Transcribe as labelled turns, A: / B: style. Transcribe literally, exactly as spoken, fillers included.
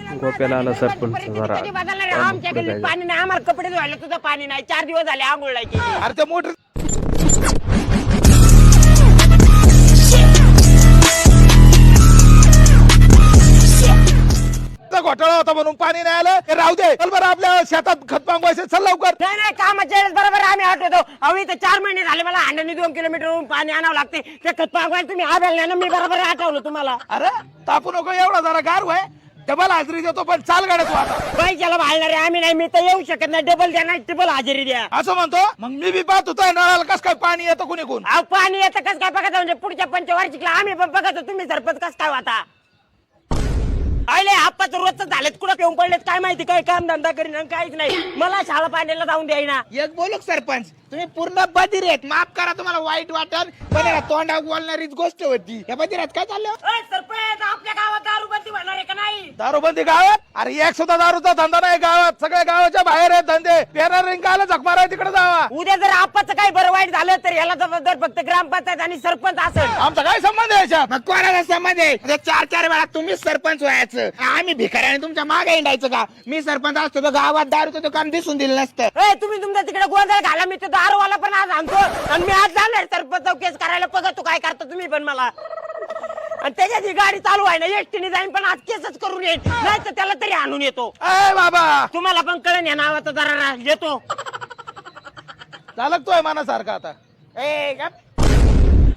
A: गोप्याला आला सरपंच जरा
B: आमच्या गल्लीत पाणी नाही, आम्हाला कपडे धुवायला सुद्धा पाणी नाही. चार दिवस झाले आंघोळ नाही केली.
C: अरे ते मोटर घोटाळा होता म्हणून पाणी नाही आलं. हे राहू दे, चल बरं आपल्या शेतात खत मागवायचं, चल लवकर.
B: नाही नाही, कामाच्या वेळेस बरोबर आम्ही आठवतो. अहो इथं चार महिने झाले मला हांड्याने दोन किलोमीटर पाणी आणावं लागते. ते खत मागवायला तुम्ही आवेल नाही ना, मी बरोबर आठवलं तुम्हाला.
C: अरे तापू नको एवढा, जरा गार व्हाय. डबल हाजरी देतो, पण चाल गाड्या तू आता.
B: पैशाला भाळणारे आम्ही नाही, मी तर येऊ शकत नाही. डबल द्या नाही ट्रिपल हजेरी द्या.
C: असं म्हणतो मग मी बी पाहत होतो नळाला कस काय पाणी येतं कुणी कोण.
B: अहो पाणी येतं कस काय बघायचं, म्हणजे पुढच्या पंचवार्षिकला आम्ही पण बघतो. तुम्ही सरपंच कस काय होता? अरे आप्पाचं रोजच झालेत, कुठं पिऊन पडलेत काय माहिती, काय काम धंदा करीन आणि काहीच नाही. मला शाळा पाण्याला जाऊन द्यायना.
C: एक बोलू सरपंच, तुम्ही पूर्ण बधीर आहेत. माफ करा, तुम्हाला वाईट वाटल, पण याला तोंडा बोलणारीच गोष्ट होती. या बधिरात काय चाललं?
B: अय, सरपंच आपल्या गावात दारूबंदी होणार आहे का नाही?
C: दारूबंदी गावात? अरे एक सुद्धा दारूचा धंदा नाही गावात. सगळ्या गावाच्या बाहेर आहेत धंदे. पेरा रिंगाला झकमार आहे, तिकडे जावा.
B: उद्या जर आप्पाचं काही बरं वाईट झालं तर याला जबाबदार फक्त ग्रामपंचायत आणि सरपंच असेल.
C: आमचा काय संबंध आहे याच्यात?
D: मग कोणाला संबंध आहे? म्हणजे चार चार वेळा तुम्हीच सरपंच व्हायचं, आम्ही भिकाऱ्याने तुमच्या मागे हिंडायचं का? मी सरपंच असतो तर गावात दारूचं दुकान दिसून दिलं नसतं.
B: ए, तुम्ही तुमच्या तिकडे गोंधळ घाला, मी तो दारूवाला पण आज आणतो आणि मी आज जाणार सरपंच केस करायला. बघा तू काय करतो तुम्ही पण मला. आणि त्याच्यात ही गाडी चालू आहे ना, एसटीने जाईन पण आज केसच करून येईल, नाही तर त्याला तरी आणून येतो.
C: अय बाबा,
B: तुम्हाला पण कळण या नावाचा जरा येतो.
C: चालकतोय मनासारखा आता.
D: ए गप.